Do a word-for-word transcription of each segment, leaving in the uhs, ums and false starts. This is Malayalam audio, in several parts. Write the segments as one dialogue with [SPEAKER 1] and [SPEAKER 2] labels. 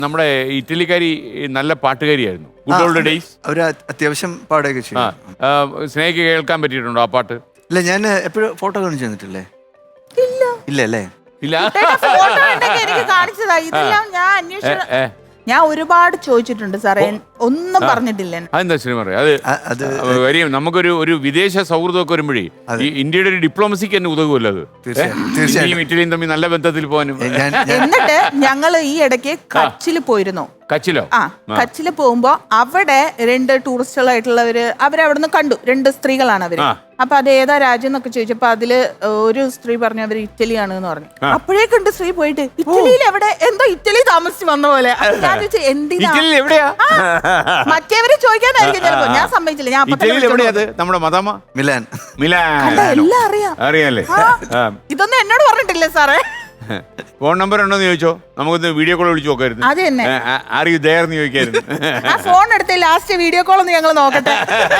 [SPEAKER 1] നമ്മുടെ ഇറ്റലിക്കാരി നല്ല പാട്ടുകാരിയായിരുന്നു. Good old days.
[SPEAKER 2] അവര് അത്യാവശ്യം പാടുകയൊക്കെ ചെയ്യും.
[SPEAKER 1] സ്നേഹിക്ക് കേൾക്കാൻ പറ്റിയിട്ടുണ്ടോ ആ പാട്ട്?
[SPEAKER 2] ഇല്ല, ഞാൻ എപ്പോഴും ഫോട്ടോ കാണിച്ചു തന്നിട്ടില്ലേ?
[SPEAKER 3] ഇല്ല
[SPEAKER 2] ഇല്ല അല്ലേ?
[SPEAKER 1] ഇല്ല.
[SPEAKER 3] ഫോട്ടോ എനിക്ക് കാണിച്ചതാ. ഇതെല്ലാം ഞാൻ അന്വേഷിച്ച ഞാൻ ഒരുപാട് ചോദിച്ചിട്ടുണ്ട് സാറേ, ഒന്നും പറഞ്ഞിട്ടില്ല.
[SPEAKER 1] അതെന്താ സിനിമ അത് വരും. നമുക്കൊരു ഒരു വിദേശ സൗഹൃദമൊക്കെ വരുമ്പോഴേ ഈ ഇന്ത്യയുടെ ഒരു ഡിപ്ലോമസിക്ക് തന്നെ ഉതകുമല്ലോ അത്. തീർച്ചയായും ഇറ്റലിയും തമ്മിൽ നല്ല ബന്ധത്തിൽ പോകാനും.
[SPEAKER 3] എന്നിട്ട് ഞങ്ങൾ ഈ ഇടയ്ക്ക് കച്ചിൽ പോയിരുന്നു.
[SPEAKER 1] കച്ചിലോ?
[SPEAKER 3] ആ, കച്ചില് പോകുമ്പോ അവിടെ രണ്ട് ടൂറിസ്റ്റുകളായിട്ടുള്ളവര് അവരവിടുന്ന് കണ്ടു. രണ്ട് സ്ത്രീകളാണ് അവര്. അപ്പൊ അത് ഏതാ രാജ്യം എന്നൊക്കെ ചോദിച്ചപ്പോ അതില് ഒരു സ്ത്രീ പറഞ്ഞു അവര് ഇറ്റലിയാണ് എന്ന് പറഞ്ഞു. അപ്പോഴേക്കുണ്ട് സ്ത്രീ പോയിട്ട് ഇറ്റലിയിൽ എവിടെ എന്തോ ഇറ്റലി താമസിച്ച് വന്ന പോലെ. ഞാൻ ചോദിച്ചു എന്തിനാ മറ്റേവര് ചോദിക്കാനായിരിക്കും ചിലപ്പോ. ഞാൻ സമ്മതിച്ചില്ല. ഞാൻ
[SPEAKER 1] നമ്മുടെ മദാമ മിലാൻ. മിലാൻ
[SPEAKER 3] എല്ലാം അറിയാം.
[SPEAKER 1] അറിയാല്ലേ?
[SPEAKER 3] ഇതൊന്നും എന്നോട് പറഞ്ഞിട്ടില്ലേ സാറേ?
[SPEAKER 1] ഫോൺ നമ്പർ ഉണ്ടോന്ന് ചോദിച്ചോ? നമുക്കൊന്ന് വീഡിയോ കോൾ വിളിച്ചു നോക്കായിരുന്നു.
[SPEAKER 3] അത് തന്നെ.
[SPEAKER 1] ആരെയും ഇതായിരുന്നു ചോദിക്കായിരുന്നു.
[SPEAKER 3] ആ ഫോൺ എടുത്ത് ലാസ്റ്റ് വീഡിയോ കോൾ ഒന്ന് ഞങ്ങൾ നോക്കട്ടെ.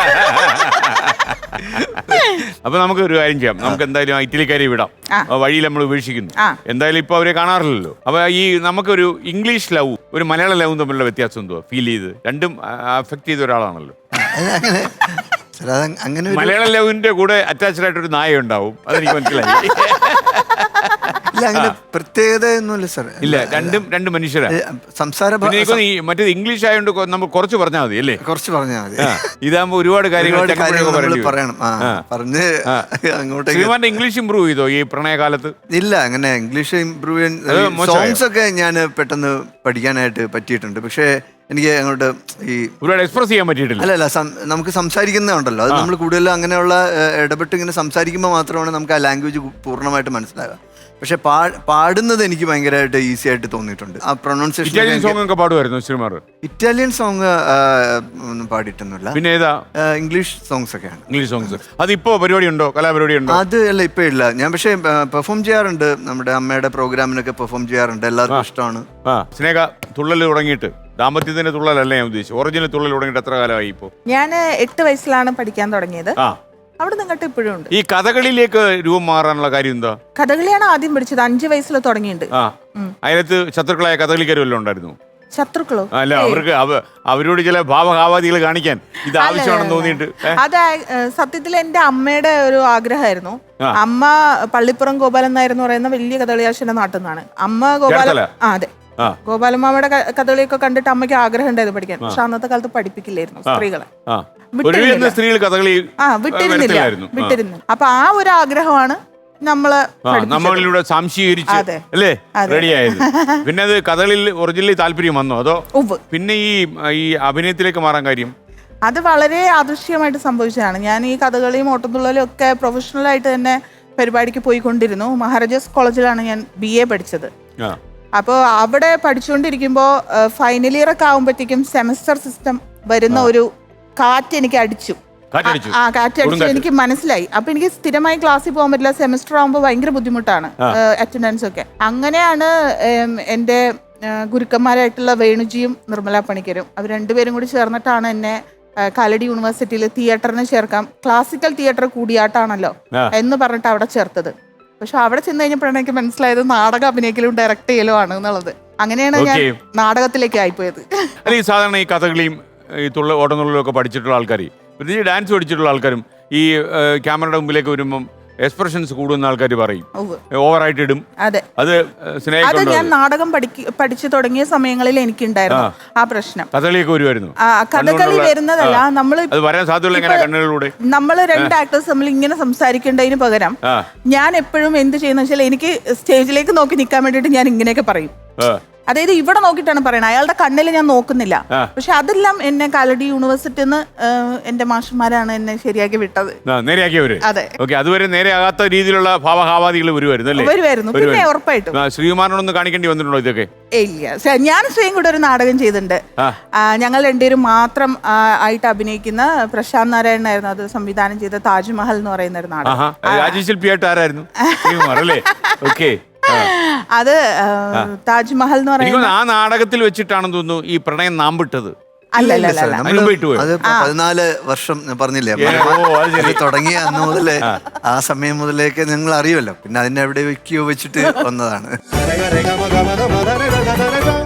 [SPEAKER 1] അപ്പൊ നമുക്ക് ഒരു കാര്യം ചെയ്യാം. നമുക്ക് എന്തായാലും ഇറ്റലിക്കാരെ വിടാം. വഴിയിൽ നമ്മൾ ഉപേക്ഷിക്കുന്നു. എന്തായാലും ഇപ്പൊ അവരെ കാണാറില്ലല്ലോ. അപ്പൊ ഈ നമുക്കൊരു ഇംഗ്ലീഷ് ലവ് ഒരു മലയാള ലവും തമ്മിലുള്ള വ്യത്യാസം എന്തോ ഫീൽ ചെയ്ത്? രണ്ടും അഫക്ട് ചെയ്ത ഒരാളാണല്ലോ.
[SPEAKER 2] അങ്ങനെ
[SPEAKER 1] മലയാള ലവിന്റെ കൂടെ അറ്റാച്ച്ഡ് ആയിട്ടൊരു നായ ഉണ്ടാവും. അതെനിക്ക് മനസ്സിലായി.
[SPEAKER 2] അങ്ങനെ പ്രത്യേകത ഒന്നുമില്ല സാർ.
[SPEAKER 1] ഇല്ല, രണ്ടും രണ്ട് മനുഷ്യരാണ്.
[SPEAKER 2] സംസാര
[SPEAKER 1] മറ്റേത് ഇംഗ്ലീഷ് ആയതുകൊണ്ട് നമ്മൾ കുറച്ച് പറഞ്ഞാൽ മതി അല്ലേ?
[SPEAKER 2] കുറച്ച് പറഞ്ഞാൽ മതി.
[SPEAKER 1] ഇതാകുമ്പോ ഒരുപാട് കാര്യങ്ങൾ
[SPEAKER 2] പറയണം. പറഞ്ഞ് അങ്ങോട്ട്
[SPEAKER 1] ഇംഗ്ലീഷ് ഇമ്പ്രൂവ് ചെയ്തോ ഈ പ്രണയകാലത്ത്?
[SPEAKER 2] ഇല്ല, അങ്ങനെ ഇംഗ്ലീഷ് ഇമ്പ്രൂവ് ചെയ്യാൻ സോങ്സ് ഒക്കെ ഞാൻ പെട്ടെന്ന് പഠിക്കാനായിട്ട് പറ്റിയിട്ടുണ്ട്. പക്ഷേ എനിക്ക് അങ്ങോട്ട് ഈ
[SPEAKER 1] ഒരുപാട് എക്സ്പ്രസ് ചെയ്യാൻ പറ്റിയിട്ടില്ല.
[SPEAKER 2] അല്ലല്ല, നമുക്ക് സംസാരിക്കുന്നുണ്ടല്ലോ, അത് നമ്മൾ കൂടുതൽ അങ്ങനെയുള്ള ഇടപെട്ട് ഇങ്ങനെ സംസാരിക്കുമ്പോൾ മാത്രമാണ് നമുക്ക് ആ ലാംഗ്വേജ് പൂർണ്ണമായിട്ട് മനസ്സിലാകുക. പക്ഷെ പാടുന്നത് എനിക്ക് ഭയങ്കരമായിട്ട് ഈസി ആയിട്ട് തോന്നിയിട്ടുണ്ട്. ആ പ്രൊനൗൺസിയേഷൻ. ഇറ്റാലിയൻ സോങ് ഒന്നും പാടിയിട്ടൊന്നുമില്ല.
[SPEAKER 1] പിന്നെ ഏതാ?
[SPEAKER 2] ഇംഗ്ലീഷ് സോങ്സ് ഒക്കെയാണ്.
[SPEAKER 1] English songs. അതിപ്പോ പരിപാടി ഉണ്ടോ? കലാപരിപാടി ഉണ്ടോ?
[SPEAKER 2] അത് അല്ല, ഇപ്പൊ ഇല്ല. ഞാൻ പക്ഷേ പെർഫോം ചെയ്യാറുണ്ട്. നമ്മുടെ അമ്മയുടെ പ്രോഗ്രാമിനൊക്കെ പെർഫോം ചെയ്യാറുണ്ട്. എല്ലാവർക്കും ഇഷ്ടമാണ്.
[SPEAKER 1] സ്നേഹ തുള്ളൽ തുടങ്ങിയിട്ട് ദാമ്പത്യത്തിന്റെ തുള്ളലല്ല ഞാൻ ഉദ്ദേശിച്ചു. ഒറിജിനൽ തുള്ളൽ തുടങ്ങിയിട്ട് എത്ര കാലമായി ഇപ്പോ?
[SPEAKER 3] ഞാൻ എട്ട് വയസ്സിലാണ് പഠിക്കാൻ തുടങ്ങിയത്. അവിടെ നിങ്ങട്ട് ഇപ്പോഴും ഉണ്ട്.
[SPEAKER 1] ഈ കഥകളിലേക്ക് രൂപം മാറാനുള്ള കാര്യം എന്താ?
[SPEAKER 3] കഥകളിയാണ് ആദ്യം പഠിച്ചത്. അഞ്ചു വയസ്സിൽ തുടങ്ങിയിട്ടുണ്ട്.
[SPEAKER 1] അതിനകത്ത് ശത്രുക്കളായ കഥകളിക്കാരും വല്ലതും ഉണ്ടായിരുന്നു?
[SPEAKER 3] ശത്രുക്കളോ?
[SPEAKER 1] അല്ല, അവർക്ക് അവരോട് ചില ഭാവഭാവാദികൾ കാണിക്കാൻ ഇത് ആവശ്യമാണെന്ന് തോന്നിയിട്ട്.
[SPEAKER 3] അത് സത്യത്തിൽ എന്റെ അമ്മയുടെ ഒരു ആഗ്രഹമായിരുന്നു. അമ്മ പള്ളിപ്പുറം ഗോപാലൻ നായർ എന്ന് പറയുന്ന വലിയ കഥകളിയാശന്റെ നാട്ടിൽ നിന്നാണ്. അമ്മ ഗോപാല ആ അതെ ഗോപാലമ്മയുടെ കഥകളിയൊക്കെ കണ്ടിട്ട് അമ്മയ്ക്ക് ആഗ്രഹം ഉണ്ടായത് പഠിക്കാൻ. പക്ഷെ അന്നത്തെ കാലത്ത് പഠിപ്പിക്കില്ലായിരുന്നു സ്ത്രീകളെ. ആ വിട്ടിരുന്നില്ല വിട്ടിരുന്നു അപ്പൊ ആ ഒരു ആഗ്രഹമാണ് നമ്മള്
[SPEAKER 1] നമ്മളിലൂടെ സംശീകരിച്ച് അല്ലേ റെഡിയായത്. പിന്നെ അത് കഥകളിൽ ഒറിജിനലി താല്പര്യം വന്നോ അതോ പിന്നെ ഈ ഈ അഭിനയത്തിലേക്ക് മാറാൻ കാര്യം?
[SPEAKER 3] അത് വളരെ അദൃശ്യമായിട്ട് സംഭവിച്ചതാണ്. ഞാൻ ഈ കഥകളിയും ഓട്ടംതുള്ളലും ഒക്കെ പ്രൊഫഷണൽ ആയിട്ട് തന്നെ പരിപാടിക്ക് പോയിക്കൊണ്ടിരുന്നു. മഹാരാജാസ് കോളേജിലാണ് ഞാൻ ബി എ പഠിച്ചത്. അപ്പോൾ അവിടെ പഠിച്ചുകൊണ്ടിരിക്കുമ്പോൾ ഫൈനൽ ഇയർ ഒക്കെ ആകുമ്പോഴത്തേക്കും സെമസ്റ്റർ സിസ്റ്റം വരുന്ന ഒരു കാറ്റ് എനിക്ക് അടിച്ചു. ആ കാറ്റടിച്ചു എനിക്ക് മനസ്സിലായി. അപ്പൊ എനിക്ക് സ്ഥിരമായി ക്ലാസ്സിൽ പോകാൻ പറ്റില്ല. സെമസ്റ്റർ ആകുമ്പോൾ ഭയങ്കര ബുദ്ധിമുട്ടാണ് അറ്റൻഡൻസ് ഒക്കെ. അങ്ങനെയാണ് എൻ്റെ ഗുരുക്കന്മാരായിട്ടുള്ള വേണുജിയും നിർമ്മല പണിക്കരും അവർ രണ്ടുപേരും കൂടി ചേർന്നിട്ടാണ് എന്നെ കാലടി യൂണിവേഴ്സിറ്റിയിൽ തിയേറ്ററിന് ചേർക്കാം, ക്ലാസിക്കൽ തിയേറ്റർ കൂടിയാട്ടാണല്ലോ എന്ന് പറഞ്ഞിട്ട് അവിടെ ചേർത്തത്. പക്ഷെ അവിടെ ചെന്ന് കഴിഞ്ഞപ്പോഴാണ് എനിക്ക് മനസ്സിലായത് നാടകം അഭിനയിക്കലും ഡയറക്ട് ചെയ്യലും ആണ് എന്നുള്ളത്. അങ്ങനെയാണ് ഞാൻ നാടകത്തിലേക്ക് ആയിപ്പോയത്.
[SPEAKER 1] ഈ സാധാരണ ഈ കഥകളിയും ഈ തുള്ള ഓട്ടംതുള്ളലും ഒക്കെ പഠിച്ചിട്ടുള്ള ആൾക്കാർ, പ്രത്യേകിച്ച് ഡാൻസ് പഠിച്ചിട്ടുള്ള ആൾക്കാരും ഈ ക്യാമറയുടെ മുമ്പിലേക്ക് വരുമ്പം എക്സ്പ്രഷൻസ് കൂടുന്ന ആൾക്കാർ പറയും ഓവറായിട്ട് ഇടും.
[SPEAKER 3] അതെ,
[SPEAKER 1] അത്
[SPEAKER 3] അത് ഞാൻ നാടകം പഠിച്ചു തുടങ്ങിയ സമയങ്ങളിൽ എനിക്കുണ്ടായിരുന്നു ആ പ്രശ്നം.
[SPEAKER 1] കഥകളിയൊക്കെ വരുമായിരുന്നു.
[SPEAKER 3] കഥകളി വരുന്നതല്ല, നമ്മള്
[SPEAKER 1] വരാൻ സാധ്യതയുള്ള കണ്ണുകളിലൂടെ
[SPEAKER 3] നമ്മള് രണ്ട് ആക്ടേഴ്സ് നമ്മൾ ഇങ്ങനെ സംസാരിക്കേണ്ടതിന് പകരം ഞാൻ എപ്പോഴും എന്ത് ചെയ്യുന്ന വെച്ചാൽ എനിക്ക് സ്റ്റേജിലേക്ക് നോക്കി നിൽക്കാൻ വേണ്ടിയിട്ട് ഞാൻ ഇങ്ങനെയൊക്കെ പറയും. അതായത് ഇവിടെ നോക്കിയിട്ടാണ് പറയണത്, അയാളുടെ കണ്ണിൽ ഞാൻ നോക്കുന്നില്ല. പക്ഷെ അതെല്ലാം എന്നെ കാലടി യൂണിവേഴ്സിറ്റിന്ന് എന്റെ മാഷന്മാരാണ് എന്നെ ശരിയാക്കി വിട്ടത്. അതെ,
[SPEAKER 1] അതുവരെ നേരെയാകാത്ത രീതിയിലുള്ള ഭാവഭാവാദികൾ വരുമായിരുന്നു
[SPEAKER 3] വരുമായിരുന്നു പിന്നെ ഉറപ്പായിട്ടും.
[SPEAKER 1] ശ്രീകുമാറിനൊന്ന് കാണിക്കേണ്ടി വന്നിട്ടുണ്ടോ ഇതൊക്കെ?
[SPEAKER 3] ഇല്ല, ഞാൻ ശ്രീയും കൂടെ ഒരു നാടകം ചെയ്തിട്ടുണ്ട്. ഞങ്ങൾ രണ്ടുപേരും മാത്രം ആയിട്ട് അഭിനയിക്കുന്ന പ്രശാന്ത് നാരായണനായിരുന്നു അത് സംവിധാനം ചെയ്ത താജ്മഹൽ എന്ന് പറയുന്ന ഒരു നാടകം. അത് താജ്മഹൽ എന്ന് പറയുന്നത്
[SPEAKER 1] ആ നാടകത്തിൽ വെച്ചിട്ടാണെന്ന് തോന്നുന്നു ഈ പ്രണയം നാമ്പിട്ടത്.
[SPEAKER 2] പതിനാല് വർഷം പറഞ്ഞില്ലേ തുടങ്ങിയ അന്ന് മുതലേ ആ സമയം മുതലേക്ക് നിങ്ങൾ അറിയുമല്ലോ. പിന്നെ അതിനെ എവിടെ വെക്കുകയോ വെച്ചിട്ട് വന്നതാണ്.